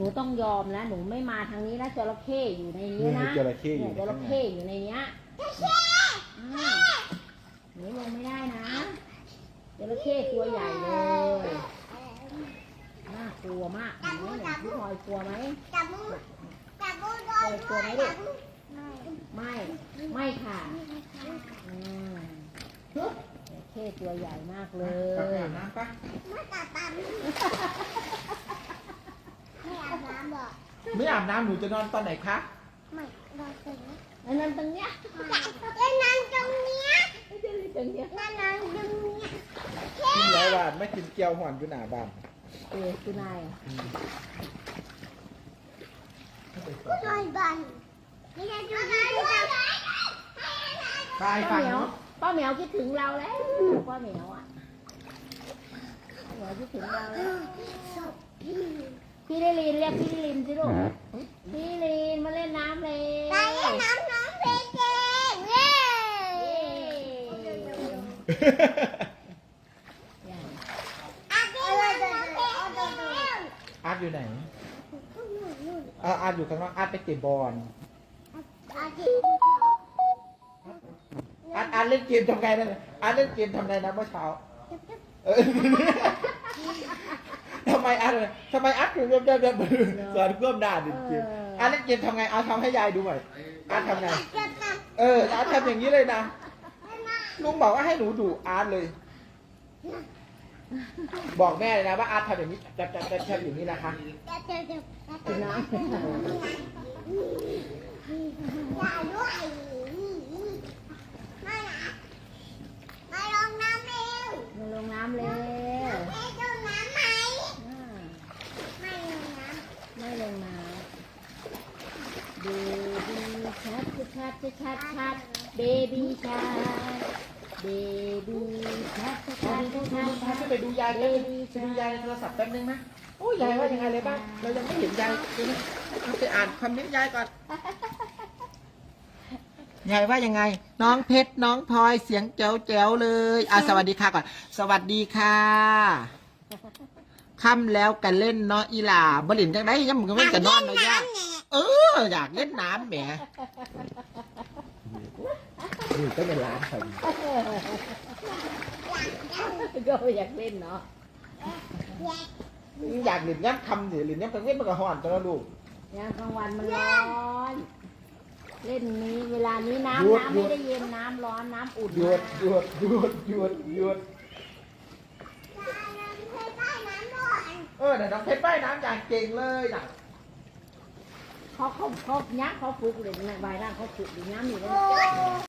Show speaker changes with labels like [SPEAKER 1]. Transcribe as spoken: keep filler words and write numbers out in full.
[SPEAKER 1] นูต้องยอมนะหนูไม่มาทางนี้นะจระเข้อยู่ในนี้นะ
[SPEAKER 2] จระเข้อยู่
[SPEAKER 1] เนี่ยจระเข้อยู่ในเนี้ยอ่าหนูลงไม่ได้นะจระเข้ตัวใหญ่เลยน่ากลัวมากเห็นไหมเนี่ยพี่พลอยกลัวไหม
[SPEAKER 3] จับมือจับมือโดน
[SPEAKER 1] กลัวไหมลูกไม่ไม่ค่ะอืมจระเข้ตัวใหญ่มากเล
[SPEAKER 2] ไป
[SPEAKER 1] ย
[SPEAKER 2] อาบน้ำปะ
[SPEAKER 3] ไม่ตัดตันไม่อาบน้ำหรอก
[SPEAKER 2] ไม่อาบน้ำหนูจะนอนตอนไหนคะ
[SPEAKER 3] ไม่นอนตรงนี้
[SPEAKER 1] อันนั้นตรงเนี้ย
[SPEAKER 3] จะนอนตรงเนี้ย
[SPEAKER 1] ไม่ใช่ตรงเนี้ย
[SPEAKER 3] นอนนอนตรงเนี้ย
[SPEAKER 2] กินแล้วว่าไม่กินเกี๊ยวหอนอยู่หน้าบ้าน
[SPEAKER 1] เออคือนาย
[SPEAKER 3] ผู้ชายบ้านนี่จะดูดีด้วย
[SPEAKER 2] ไป
[SPEAKER 1] ป้า
[SPEAKER 2] ฟัง
[SPEAKER 1] เหมียว
[SPEAKER 2] เนาะ
[SPEAKER 1] ป้าเหมียวคิดถึงเราแล้วป้าเหมียวอ่ะป้าเหมียวคิดถึงเราแล้วพี่ลิลินเรียกพี่ลิลินสิลูกพี่ลิลินมาเล่นน้ำเลย
[SPEAKER 3] ไปเล่นน้ำน้องเพลงเก่งเย้ อาบน้ำน้องเพลงเก่ง
[SPEAKER 2] อาร์ตอยู่ไหนอ่ะอาร์ตอยู่ข้างนอกอาร์ตไปเตะบอล
[SPEAKER 3] อาทิ
[SPEAKER 2] อาร์ตอาร์ตเล่นเกมทำไงนั่นน่ะอาร์ตเล่นเกมทำไงนะเมื่อเช้าเออทำไมอาร์ตเลยทำไมอาร์ตถึงเริ่มเริ่มเริ่มสอนเพิ่มด่าดิเกมอาร์ตเล่นเกมทำไงอาร์ตทำให้ยายดูหน่อยอาร์ตทำไง
[SPEAKER 3] จะท
[SPEAKER 2] เอออาร์ตทำอย่างนี้เลยนะลุงบอกว่าให้หนูดูอาร์ตเลย บอกแม่เลยนะว่าอาร์ตทำอย่างนี้จะจะจะทำอย่างนี้นะคะ
[SPEAKER 3] ำจะจะจะ
[SPEAKER 1] กินน้
[SPEAKER 3] อย่าด้วยไม่นะมาลงน้ำเร็ว
[SPEAKER 1] ำมาลงน้ำเร็ว
[SPEAKER 3] เอ๊ะลงน้ำไหม
[SPEAKER 1] อ่า
[SPEAKER 3] ไม่ลงน้
[SPEAKER 1] ไม่ลงน้ำเบบี้ชัดชัดชัดชัดเบบี้ชัดเบบี้ชัดชัดชัดชัด
[SPEAKER 2] จะไปดูยายกันไปดูยายในโทรศัพท์แป๊บนึงนะโอ้ยยายว่ายังไงเลยบ้างเรายังไม่เห็นยายดูนะเอาไปอ่านคอมเมนต์ยายก่อนยายว่ายังไง น้องเพชรน้องพลอยเสียงแจ๋วแจ๋วเลยอ่ะสวัสดีค่ะก่อนสวัสดีค่ะค่ำแล้วกันเล่นเนาะอีหล่าบลินจังไดยังมึงก็ไม่จะนอนเนาะย่าเอออยากเล่นน้ำแหมนี่ก็เป็นร้านเขา
[SPEAKER 1] ก็อยากเล่นเนาะ
[SPEAKER 2] อยากเล่นย้ำคำสิเล่นย้ำกลางเว้นมันก็ห่อนตัวลูก
[SPEAKER 1] ยามกลางวันมันร้อน เล่นนี้เวลานี้น้ำ
[SPEAKER 2] หยุด
[SPEAKER 1] น้ำ
[SPEAKER 2] หยุ
[SPEAKER 1] ไม่
[SPEAKER 2] ด
[SPEAKER 1] ได้เย็นน้ำร้อนน้ำอุ่น
[SPEAKER 2] หยุด
[SPEAKER 1] มาก
[SPEAKER 2] หยุดหยุดหยุดหยุด เออเดี๋ยวน้องเพชรว่ายน้ำอย่างเก่งเลยนะ
[SPEAKER 1] เขาเขาเขายักษ์เขาฝึกเลยในใบร่างเขาฝึกอยู่น้ำอยู่เลย